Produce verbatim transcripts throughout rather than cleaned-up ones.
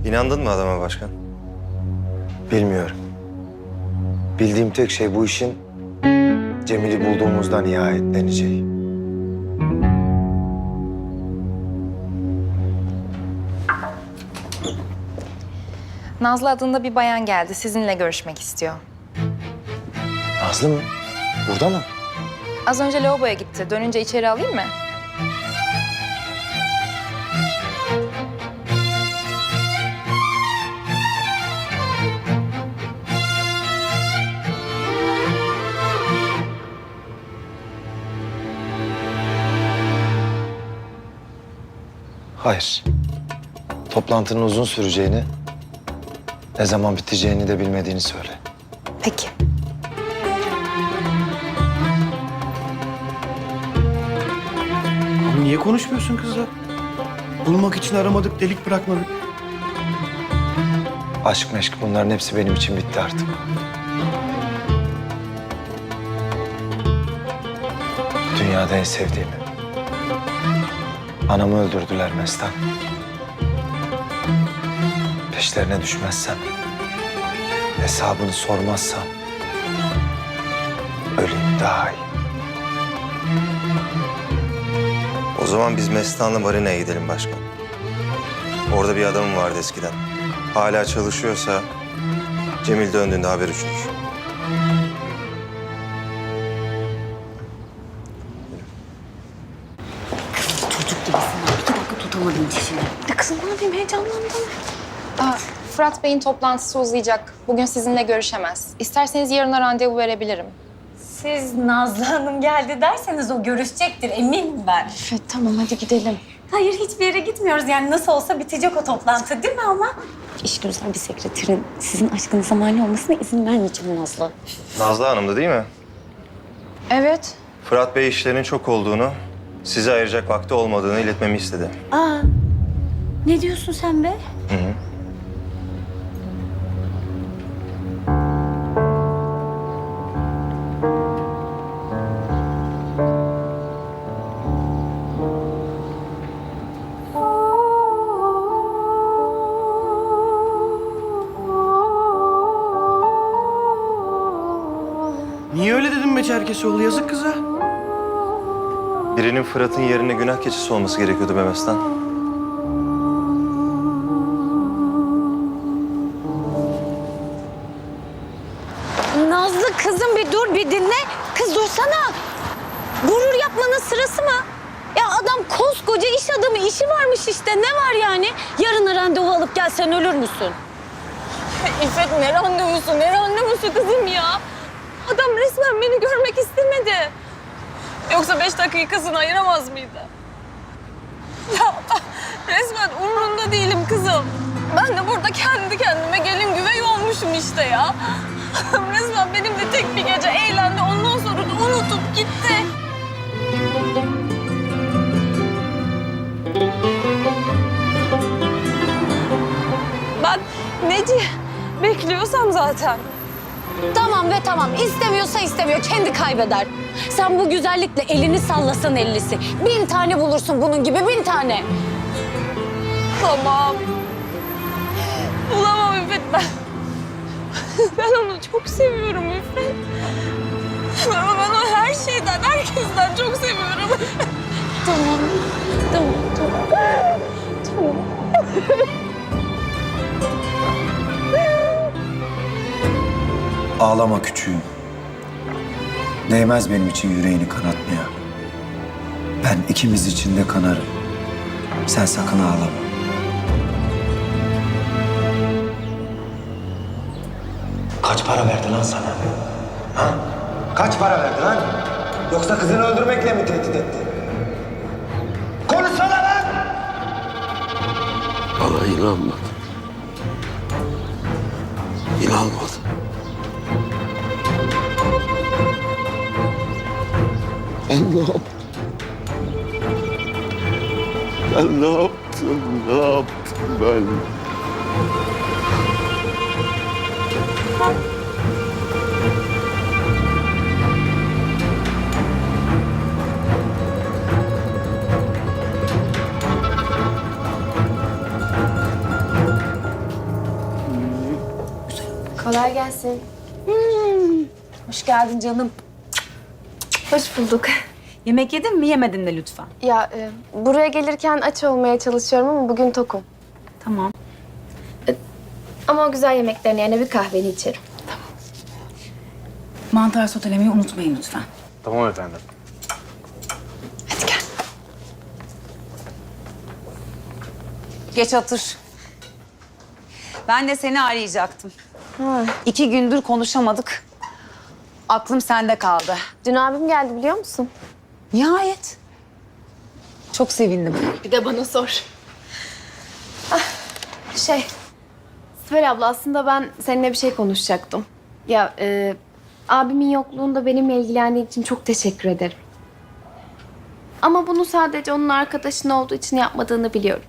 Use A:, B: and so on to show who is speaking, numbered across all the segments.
A: İnandın mı adama başkan?
B: Bilmiyorum. Bildiğim tek şey bu işin Cemil'i bulduğumuzda nihayetleneceği.
C: Nazlı adında bir bayan geldi. Sizinle görüşmek istiyor.
B: Nazlı mı? Burada mı?
C: Az önce lavaboya gitti. Dönünce içeri alayım mı?
B: Hayır. Toplantının uzun süreceğini, ne zaman biteceğini de bilmediğini söyle.
C: Peki.
D: Abi niye konuşmuyorsun kızla? Bulmak için aramadık, delik bırakmadık.
B: Aşk meşk bunların hepsi benim için bitti artık. Dünyada en sevdiğimi. Anamı öldürdüler Mestan. Peşlerine düşmezsem, hesabını sormazsam öleyim daha iyi.
A: O zaman biz Mestan'la marinaya gidelim başkan. Orada bir adamım vardı eskiden. Hala çalışıyorsa Cemil döndüğünde haber uçurur.
E: Çocuk gibisin. İki dakika tutamadım dişini.
C: Ya kızım ne yapayım? Heyecanlandım. Aa, Fırat Bey'in toplantısı uzayacak. Bugün sizinle görüşemez. İsterseniz yarına randevu verebilirim.
E: Siz Nazlı Hanım geldi derseniz o görüşecektir eminim ben.
C: Evet tamam hadi gidelim.
E: Hayır hiçbir yere gitmiyoruz yani nasıl olsa bitecek o toplantı değil mi ama? İş güzel bir sekreterin sizin aşkınıza mani olmasına izin vermeyeceğim Nazlı.
A: Nazlı Hanım'dı değil mi?
C: Evet.
A: Fırat Bey işlerinin çok olduğunu, size ayıracak vakti olmadığını iletmemi istedi.
E: Aa, ne diyorsun sen be?
A: Hı hı.
D: Niye öyle dedin be Çerkesoğlu? Yazık kıza.
A: Birinin Fırat'ın yerine günah keçisi olması gerekiyordu be Mestan.
E: Nazlı kızım bir dur bir dinle. Kız dursana. Gurur yapmanın sırası mı? Ya adam koskoca iş adamı işi varmış işte ne var yani? Yarın randevu alıp gelsen ölür müsün?
F: İffet ne randevusu, ne randevusu kızım ya? Adam resmen beni görmek istemedi. Yoksa beş dakikasını ayıramaz mıydı? Ya resmen umrunda değilim kızım. Ben de burada kendi kendime gelin güvey olmuşum işte ya. Resmen benimle tek bir gece eğlendi, ondan sonra da unutup gitti. Ben neci bekliyorsam zaten.
E: Tamam ve tamam. İstemiyorsa istemiyor. Kendi kaybeder. Sen bu güzellikle elini sallasan ellisi. Bin tane bulursun bunun gibi bin tane.
F: Tamam. Bulamam İffet ben. Ben onu çok seviyorum İffet. Ben, ben onu her şeyden, herkesten çok seviyorum.
E: Tamam. Tamam. Tamam. Tamam.
B: Ağlama küçüğüm. Değmez benim için yüreğini kanatmaya. Ben ikimiz için de kanarım. Sen sakın ağlama.
G: Kaç para verdi lan sana? Ha? Kaç para verdi lan? Yoksa kızını öldürmekle mi tehdit etti? Konuşsana lan!
H: Bana inanmadı. İnanmadı. Ben ne yaptım? Ben ne yaptım? Ne yaptım ben?
I: Kolay gelsin.
E: Hoş geldin canım.
I: Hoş bulduk.
E: Yemek yedin mi yemedin de lütfen.
I: Ya e, buraya gelirken aç olmaya çalışıyorum ama bugün tokum.
E: Tamam.
I: Ama o güzel yemeklerin yerine bir kahveni içerim.
E: Mantar sotelemeyi unutmayın lütfen.
A: Tamam efendim.
E: Hadi gel. Geç otur. Ben de seni arayacaktım.
I: Ha.
E: İki gündür konuşamadık. Aklım sende kaldı.
I: Dün abim geldi biliyor musun?
E: Nihayet. Çok sevindim.
I: Bir de bana sor. Ah, şey, Sibel abla aslında ben seninle bir şey konuşacaktım. Ya e, abimin yokluğunda benimle ilgilendiği için çok teşekkür ederim. Ama bunu sadece onun arkadaşın olduğu için yapmadığını biliyorum.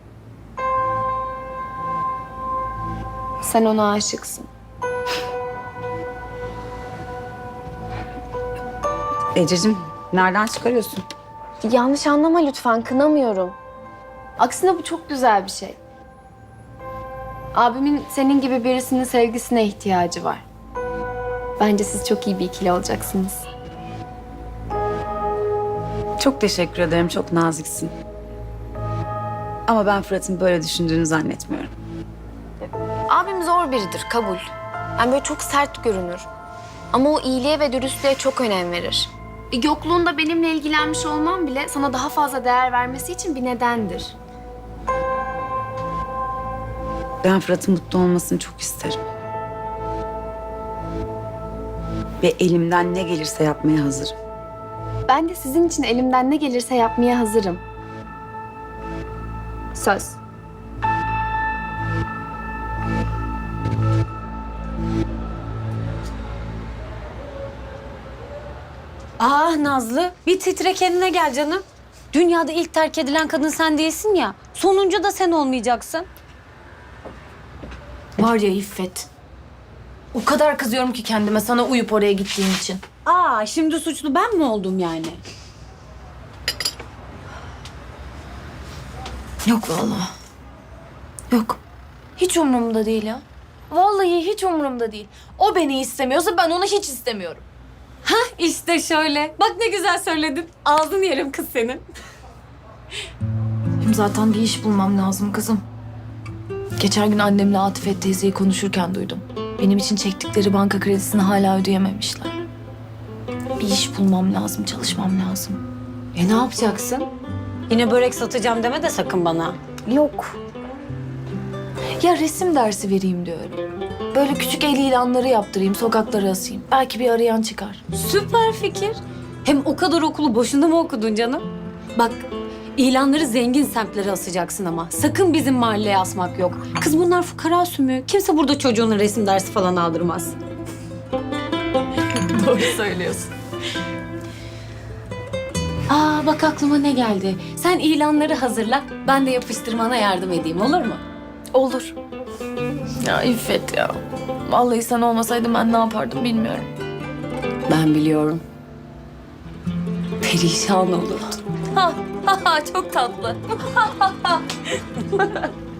I: Sen ona aşıksın.
E: Ececiğim, nereden çıkarıyorsun?
I: Yanlış anlama lütfen, kınamıyorum. Aksine bu çok güzel bir şey. Abimin senin gibi birisinin sevgisine ihtiyacı var. Bence siz çok iyi bir ikili olacaksınız.
E: Çok teşekkür ederim, çok naziksin. Ama ben Fırat'ın böyle düşündüğünü zannetmiyorum.
I: Abim zor biridir, kabul. Yani böyle çok sert görünür. Ama o iyiliğe ve dürüstlüğe çok önem verir. E, Yokluğunda benimle ilgilenmiş olmam bile sana daha fazla değer vermesi için bir nedendir.
E: Ben Fırat'ın mutlu olmasını çok isterim. Ve elimden ne gelirse yapmaya hazırım.
I: Ben de sizin için elimden ne gelirse yapmaya hazırım. Söz.
E: Ah Nazlı, bir titre kendine gel canım. Dünyada ilk terk edilen kadın sen değilsin ya. Sonuncu da sen olmayacaksın.
F: Var ya İffet. O kadar kızıyorum ki kendime sana uyup oraya gittiğim için.
E: Aa, şimdi suçlu ben mi oldum yani?
F: Yok vallahi. Yok. Hiç umurumda değil ya. Vallahi hiç umurumda değil. O beni istemiyorsa ben onu hiç istemiyorum.
E: İşte şöyle. Bak ne güzel söyledin. Ağzını yerim kız senin.
F: Hem zaten bir iş bulmam lazım kızım. Geçen gün annemle Atifet teyzeyi konuşurken duydum. Benim için çektikleri banka kredisini hala ödeyememişler. Bir iş bulmam lazım, çalışmam lazım.
E: E ne yapacaksın? Yine börek satacağım deme de sakın bana.
F: Yok. Ya resim dersi vereyim diyorum. Böyle küçük el ilanları yaptırayım, sokaklara asayım. Belki bir arayan çıkar.
E: Süper fikir. Hem o kadar okulu boşuna mı okudun canım? Bak, ilanları zengin semtlere asacaksın ama. Sakın bizim mahalleye asmak yok. Kız bunlar fukara sümüğü. Kimse burada çocuğuna resim dersi falan aldırmaz.
F: Doğru söylüyorsun.
E: Aa bak aklıma ne geldi. Sen ilanları hazırla, ben de yapıştırmana yardım edeyim, olur mu?
F: Olur. Ya İffet ya. Vallahi sen olmasaydın ben ne yapardım bilmiyorum.
E: Ben biliyorum. Perişan olurdun.
F: Ha ha ha çok tatlı.